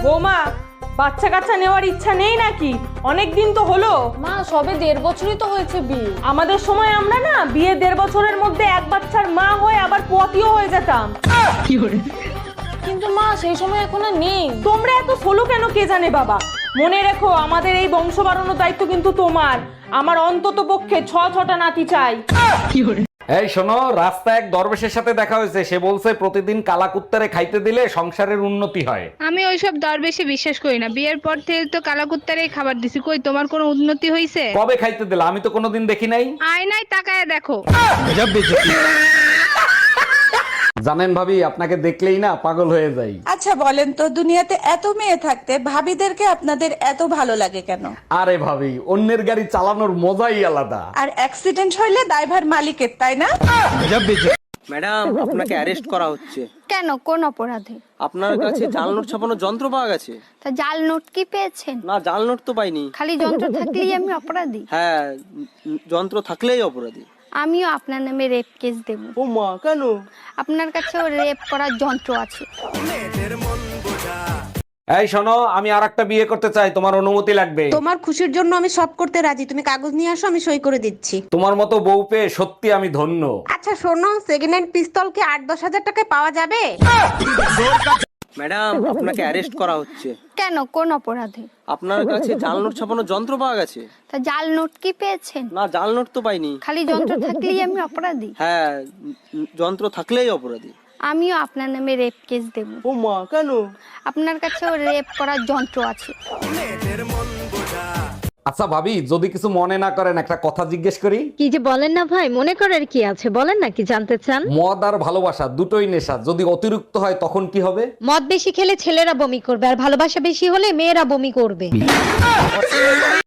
বৌমা, বাচ্চা কাচ্চা নেওয়ার ইচ্ছা নেই নাকি? অনেক দিন তো হলো। মা সবে 1.5 বছরই তো হয়েছে বিয়ে। আমাদের সময় আমরা না বিয়ে 1.5 বছরের মধ্যে এক বাচ্চার মা হয়ে আবার পতিও হয়ে যেতাম। কিন্তু মা সেই সময় এখন আর নেই। তোমরা এত সোলো কেন কে জানে বাবা। মনে রেখো, আমাদের এই বংশ বাড়ানোর দায়িত্ব কিন্তু তোমার। আমার অন্তত পক্ষে 6টা নাতি চাই। এই শোনো, রাস্তায় এক দরবেশের সাথে দেখা হয়েছে। সে বলছে প্রতিদিন কালাকুত্তারে খাইতে দিলে সংসারের উন্নতি হয়। আমি ওইসব দরবেশে বিশ্বাস করি না। বিয়ের পর থেকে তো কালাকুত্তারেই খাবার দিছি, কই তোমার কোনো উন্নতি হইছে? কবে খাইতে দিলে? আমি তো কোনোদিন দেখি নাই। আয়নায় তাকায় দেখো। জানেন ভাবি, আপনাকে দেখলেই না পাগল হয়ে যাই। আচ্ছা বলেন তো, দুনিয়াতে এত মেয়ে থাকতে ভাবিদেরকে আপনাদের এত ভালো লাগে কেন? আরে ভাবি, অন্যের গাড়ি চালানোর মজাই আলাদা। আর অ্যাক্সিডেন্ট হইলে দায়ভার মালিকের, তাই না? ম্যাডাম, আপনাকে অ্যারেস্ট করা হচ্ছে। কেন, কোন অপরাধে? আপনার কাছে জাল নোট ছাপানোর যন্ত্র পাওয়া গেছে। তা জাল নোট কি পেয়েছেন? না, জাল নোট তো পাইনি। খালি যন্ত্র থাকলেই আমি অপরাধী? হ্যাঁ, যন্ত্র থাকলেই অপরাধী। আমিও আপনার নামে রেপ কেস দেব। ও মা, কেন? আপনার কাছেও রেপ করার যন্ত্র আছে। এই শোনো, আমি আরেকটা বিয়ে করতে চাই, তোমার অনুমতি লাগবে। তোমার খুশির জন্য আমি সব করতে রাজি, তুমি কাগজ নিয়ে আসো, আমি সই করে দিচ্ছি। তোমার মতো বউ পেয়ে সত্যি আমি ধন্য। আচ্ছা শোনো, সেকেন্ড হ্যান্ড পিস্তল কি 8-10 হাজার টাকায় পাওয়া যাবে? ম্যাডাম, আপনাকে অ্যারেস্ট করা হচ্ছে। কেন, কোন অপরাধে? আপনার কাছে জাল নোট ছাপানোর যন্ত্র পাওয়া গেছে। তা জাল নোট কি পেয়েছেন? না, জাল নোট তো পাইনি। খালি যন্ত্র থাকলেই আমি অপরাধী? হ্যাঁ, যন্ত্র থাকলেই অপরাধী। আমিও আপনার নামে রেপ কেস দেব। ও মা, কেন? আপনার কাছেও রেপ করার যন্ত্র আছে। আচ্ছা ভাবি, যদি কিছু মনে না করেন একটা কথা জিজ্ঞেস করি। কি যে বলেন না ভাই, মনে করার কি আছে, বলেন না কি জানতে চান। মদ আর ভালোবাসা দুটোই নেশা, যদি অতিরিক্ত হয় তখন কি হবে? মদ বেশি খেলে ছেলেরা বমি করবে, আর ভালোবাসা বেশি হলে মেয়েরা বমি করবে।